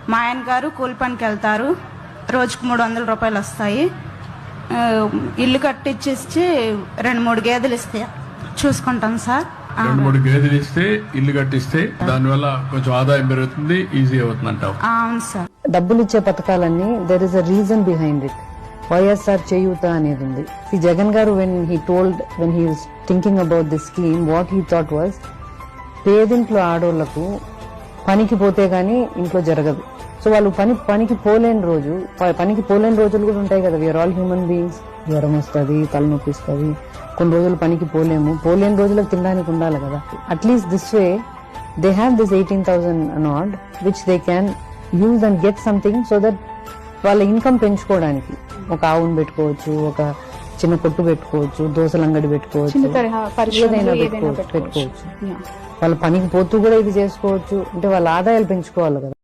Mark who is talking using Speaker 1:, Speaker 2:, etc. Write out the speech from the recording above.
Speaker 1: మా ఆయన గారు కూలి పనికి వెళ్తారు, రోజుకు 300 రూపాయలు వస్తాయి. ఇల్లు కట్టించేసి 2-3 గేదెలు ఇస్తే చూసుకుంటాం సార్.
Speaker 2: 2-3 గేదెలు ఇస్తే ఇల్లు కట్టిస్తే దానివల్ల కొంచెం ఆదాయం పెరుగుతుంది, ఈజీ అవుతుంది అంటావు.
Speaker 1: అవును సార్.
Speaker 3: డబ్బులు ఇచ్చే పథకాలన్నీ there is a reason behind it. YSR Cheyutha అనేది ఉంది. Jagan garu when he was thinking about this scheme, what he thought was పేదింట్లో ఆడోళ్లకు పనికి పోతే గానీ ఇంట్లో జరగదు. సో వాళ్ళు పనికి పోలేని రోజులు కూడా ఉంటాయి కదా. We are all human beings. జ్వరం వస్తుంది, తలనొప్పి వస్తుంది, కొన్ని రోజులు పనికి పోలేని రోజులకు తినడానికి ఉండాలి కదా. At least this way they have this 18,000 not which they can use and get something so that వాళ్ళ ఇన్కమ్ పెంచుకోవడానికి ఒక ఆవును పెట్టుకోవచ్చు, ఒక చిన్న కొట్టు పెట్టుకోవచ్చు, దోశల అంగడి పెట్టుకోవచ్చు, ఏదైనా పెట్టుకోవచ్చు. వాళ్ళ పనికి పోతూ కూడా ఇది చేసుకోవచ్చు. అంటే వాళ్ళ ఆదాయాలు పెంచుకోవాలి కదా.